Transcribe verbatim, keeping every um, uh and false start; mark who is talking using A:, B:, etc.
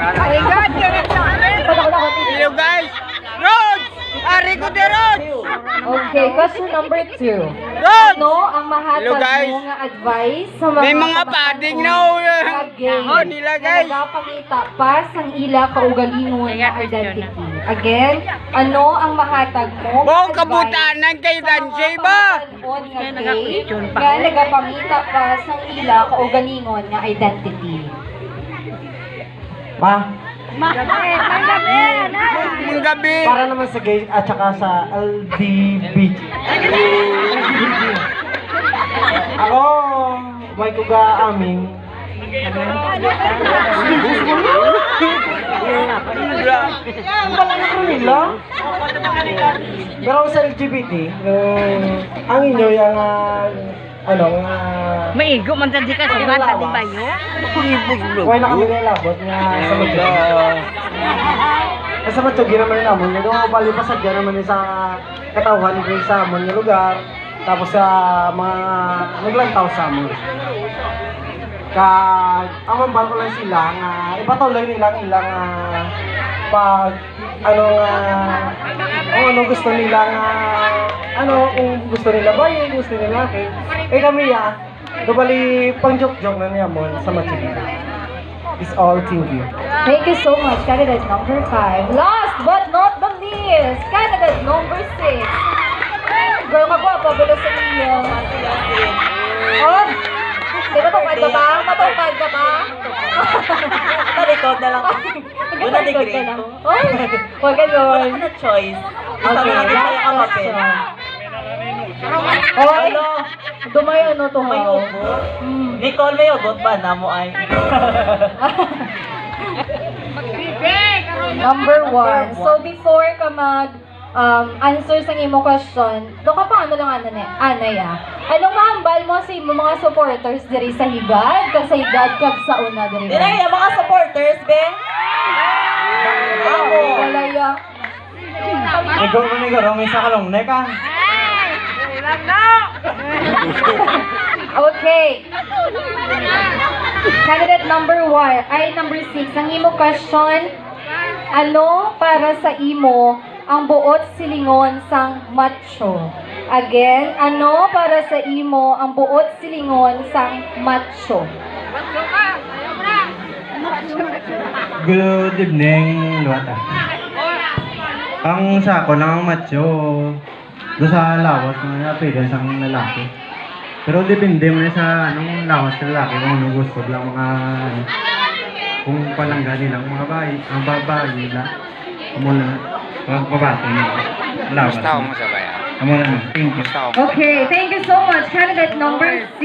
A: My God, ganit sa amin. Hello guys. Roads! Ari ko de Roads!
B: Okay, question number two.
A: Roads!
B: Ano ang
A: Hello,
B: mahatag
A: guys.
B: mo nga advice sa mga
A: May mga padding na oh, nila guys.
B: nagapangita pa sang ila kaugalingon nga identity. Again, ano ang mahatag mo? nga
A: Bong
B: advice
A: kabutanan kay
B: sa
A: Dansay
B: mga
A: ba?
B: pamahanon nga gay nga nagapangita pa sang ila kaugalingon nga identity?
C: Ma,
A: Mga gabi.
C: para naman sa gay at saka sa L G B T. Ako, may kuga aming. Wala na ko nila. Pero sa L G B T, yung, ang inyo yung, ah, ano, nga,
D: Maigo man sa di ka sa bata di ba yo?
C: wala na kami nilabot nga sa Matsugi. Sa Matsugi naman yung amon, yung bali pa sa dyan naman yung sa katawan ko sa amon yung lugar, tapos sa mga naglantaw sa amon. Kag, amon ba ko lang sila nga, ipatuloy nila ang ilang ah, pag, ano nga, kung ano gusto nila nga, ano, kung gusto nila ba, yung gusto nila, okay. Eh kami ya, Gabali, pang joke-joke na niya mo sa Matsugi. It's all thank you.
B: Thank you so much, candidate number five. Last but not the least, candidate number six. Girl, magwapa, bulo sa iyo. Oh, di ba tupad ka ba? Matupad ka ba?
E: Talikod na lang. Una
B: Nagkatalikod
E: degree.
B: ka lang. Oh, huwag ganun.
E: Ano choice? Gusto
B: Okay,
E: na natin
B: last
E: kaya kamapin.
B: question. Oy, dumay ano to
E: May
B: ha?
E: ugot.
B: Mm.
E: Nicole, may ugot ba? Namo ay.
B: Number one. So before ka mag um, answer sa imo question, do ka pa ano lang ano ni Anay ah. Anong mahambal mo sa imo mga supporters diri sa higad, kag sa higad kag sa una diri?
E: Dira yung mga supporters, be. Ako.
B: Wala ya.
C: Ikaw mo ni Garo, may sakalong na ka.
B: Okay. Candidate number one, ay number six, ang imo question, ano para sa imo ang buot silingon sang macho? Again, ano para sa imo ang buot silingon sang macho?
C: Good evening, Luwata. Ang sa ako lang ang macho, doon sa lawas ng appearance ang lalaki. Pero depende mo na sa anong lawas ng lalaki kung ano gusto lang mga ano, kung palangga nilang mga bayi, ang babae nila. Amo na, ang babae nila. Lawas.
A: Gusto mo sa bayan.
C: Amo na, thank you.
A: Gusto mo.
B: Okay, thank you so much, candidate number six.